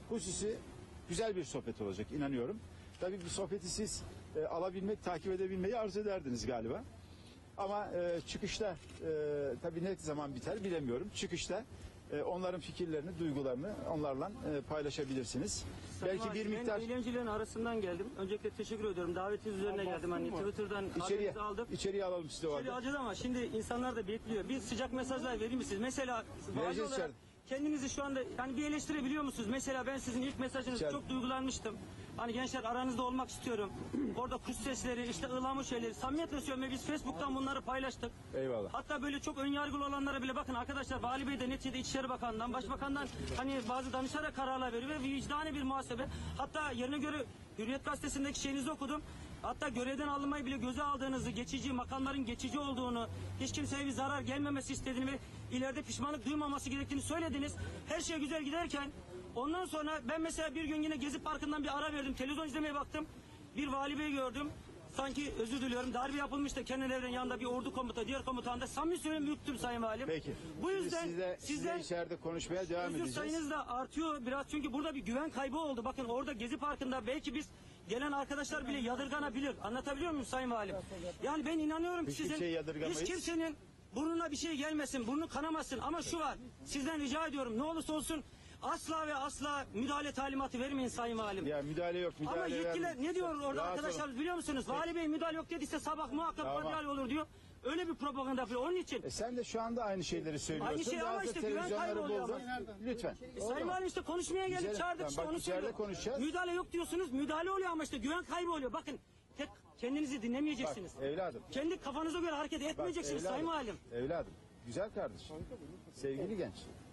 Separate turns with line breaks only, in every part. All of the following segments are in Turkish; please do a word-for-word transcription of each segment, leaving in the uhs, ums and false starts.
hususi güzel bir sohbet olacak inanıyorum. Tabii bu sohbeti siz e, alabilmek, takip edebilmeyi arzu ederdiniz galiba. Ama e, çıkışta e, tabii ne zaman biter bilemiyorum. Çıkışta e, onların fikirlerini, duygularını onlarla e, paylaşabilirsiniz.
Sayın
Belki bir
Valim,
miktar
ben eylemcilerin arasından geldim. Öncelikle teşekkür ediyorum. Davetiniz üzerine geldim. Hani Twitter'dan
içeriye,
haberinizi aldım.
içeriye alalım sizi o
Şöyle
halde.
acıdı ama şimdi insanlar da bekliyor. Bir sıcak mesajlar verir misiniz? Mesela vali
Vereceğiz
olarak
içeride.
kendinizi şu anda yani bir eleştirebiliyor musunuz? Mesela ben sizin ilk mesajınızı
İçeride.
çok duygulanmıştım. Hani gençler aranızda olmak istiyorum. Orada kuş sesleri, işte ıhlamur şeyleri. Samimiyetle söylüyorum ve biz Facebook'tan bunları paylaştık.
Eyvallah.
Hatta böyle çok önyargılı olanlara bile bakın arkadaşlar, Vali Bey de neticede İçişleri Bakanı'ndan, Başbakan'dan hani bazı danışarak kararlar veriyor ve vicdani bir muhasebe. Hatta yerine göre Hürriyet Gazetesi'ndeki şeyinizi okudum. Hatta görevden alınmayı bile göze aldığınızı, geçici makamların geçici olduğunu, hiç kimseye bir zarar gelmemesi istediğini ve ileride pişmanlık duymaması gerektiğini söylediniz. Her şey güzel giderken ondan sonra ben mesela bir gün yine Gezi Parkı'ndan bir ara verdim. Televizyon izlemeye baktım. Bir Vali Bey gördüm. Sanki özür diliyorum. Darbe yapılmıştı. Kenan Evren yanında bir ordu komuta, diğer komutan da samimi söylüyorum büyüktüm Sayın Valim.
Peki.
Bu
Şimdi
yüzden
sizle,
sizden
sizle içeride konuşmaya devam
özür
edeceğiz.
sayınız da artıyor biraz çünkü burada bir güven kaybı oldu. Bakın orada Gezi Parkı'nda belki biz gelen arkadaşlar bile yadırganabilir. Anlatabiliyor muyum Sayın Valim? Yani ben inanıyorum ki
Hiç
sizin
kimseyi yadırgamayız.
hiç kimsenin burnuna bir şey gelmesin, burnu kanamasın ama şu var. Sizden rica ediyorum ne olursa olsun asla ve asla müdahale talimatı vermeyin Sayın Valim.
Ya müdahale yok, müdahale
Ama yetkililer
vermeyin.
ne diyor orada
Rahat
arkadaşlar
olun.
biliyor musunuz? Vali Bey müdahale yok dediyse sabah muhakkak
Tamam.
müdahale olur diyor. Öyle bir propaganda yapıyor. Onun için
E sen de şu anda aynı şeyleri söylüyorsun.
Aynı şey ama
Bazı
işte güven
televizyonları
kayboluyor
buldun.
ama.
Lütfen.
Sayın Valim işte konuşmaya geldik,
Güzel.
çağırdık
Tamam,
işte
bak
onu
içeride
söylüyorum.
konuşacağız.
Müdahale yok diyorsunuz, müdahale oluyor ama işte güven kaybı oluyor. Bakın tek kendinizi dinlemeyeceksiniz.
Bak evladım.
Kendi kafanıza göre hareket
Bak,
etmeyeceksiniz
evladım,
Sayın Valim.
Evladım. Güzel kardeşim. Sevgili genç.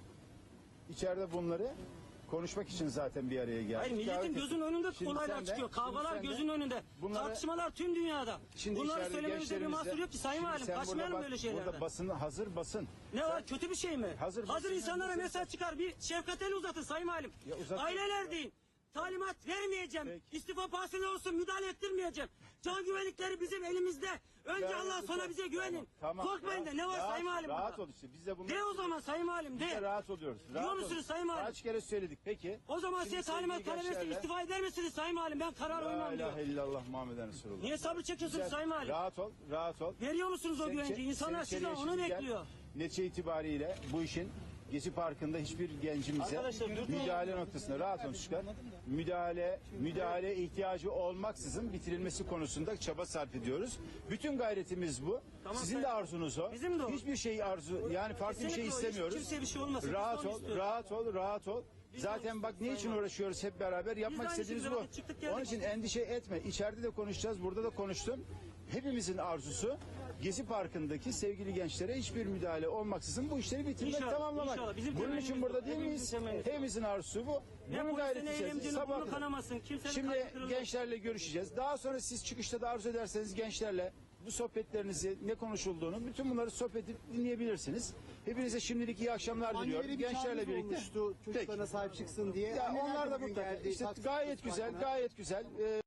İçeride bunları konuşmak için zaten bir araya geldik.
Hayır milletin
Davet
gözünün
ettik.
önünde
Şimdi
olaylar
sen de-
çıkıyor.
şimdi
Kavgalar
sen de
gözünün önünde.
bunları-
Tartışmalar tüm dünyada.
Şimdi
Bunları
içeride
söylemenizde bir
gençlerimizle-
mahsur yok ki Sayın
Şimdi
Valim.
sen burada
Kaçmayalım
bak,
böyle şeylerden.
Burada basın, hazır basın.
Ne var kötü bir şey mi?
Hazır
Hazır,
basın-
insanlara
basın-
mesaj çıkar bir şefkat eli uzatın Sayın Valim.
Ya uzat-
Aileler deyin. Talimat vermeyeceğim.
Peki.
İstifa pahasına olsun müdahale ettirmeyeceğim. Can güvenlikleri bizim elimizde. Önce
Ya,
Allah sonra
lütfen.
bize güvenin.
Tamam,
Korkmayın da
rahat-
ne var
rahat-
Sayın Valim?
Rahat
burada?
ol işte. Biz de bunları...
De o zaman Sayın Valim
Biz de
de.
rahat oluyoruz.
Diyor
Rahat
musunuz
olun.
Sayın Valim?
Kaç kere söyledik peki.
O zaman
Şimdi
size talimat
sevgili
talep etse
gençlerle-
istifa eder misiniz Sayın Valim? Ben karar
La
uymam diyor.
ilahe illallah Muhammeden Resulullah.
Niye sabır çekiyorsunuz
Güzel.
Sayın Valim?
Rahat ol, rahat ol.
Veriyor musunuz o
Sen
güvenci?
içe-
İnsanlar
sen
sizden
içeriye
onu
şimdi gel.
bekliyor.
Netice itibariyle bu işin Gezi Parkı'nda hiçbir gencimize
Arkadaşlar, dürtmeyin.
müdahale noktasında rahat olun çıkar. Müdahale, müdahale ihtiyacı olmaksızın bitirilmesi konusunda çaba sarf ediyoruz. Bütün gayretimiz bu.
Tamam,
Sizin de
Sayın-
arzunuz o.
Bizim de o.
Hiçbir şey arzu, yani farklı bir şey
Kesinlikle o. Hiç
istemiyoruz.
kimseye bir şey olmasın. Biz de
Rahat
onu
ol,
istiyoruz.
rahat ol, rahat ol.
Biz de
Zaten
onu
bak
istiyoruz,
ne için
Sayın
uğraşıyoruz hep beraber yapmak
aynı
istediğimiz
şekilde
bu.
vakit çıktık geldik.
Onun için endişe etme. İçeride de konuşacağız, burada da konuştum. Hepimizin arzusu Gezi Parkı'ndaki sevgili gençlere hiçbir müdahale olmaksızın bu işleri bitirmek,
İnşallah,
tamamlamak.
inşallah. Bizim
Bunun
temennimiz
için
bu.
burada değil
Hepimizin
miyiz?
temennisi.
Hepimizin arzusu bu.
Ne
Bunun
polisin
gayreti
ne
içerisinde
eylemcinin
sabah
burnu
kadar.
kanamasın. Kimsenin
Şimdi
kalbi kırılmasın.
gençlerle görüşeceğiz. Daha sonra siz çıkışta da arzu ederseniz gençlerle bu sohbetlerinizi, ne konuşulduğunu, bütün bunları sohbet edip dinleyebilirsiniz. Hepinize şimdilik iyi akşamlar diliyorum.
Annelere bir
Gençlerle
çağrınız
birlikte.
olmuştu, çocuklarına
Peki.
sahip çıksın diye.
Ya
Anneler
onlar da
bugün
mutlaka.
geldi,
İşte
Taksim
gayet
Parkı'na.
güzel, gayet güzel. Ee,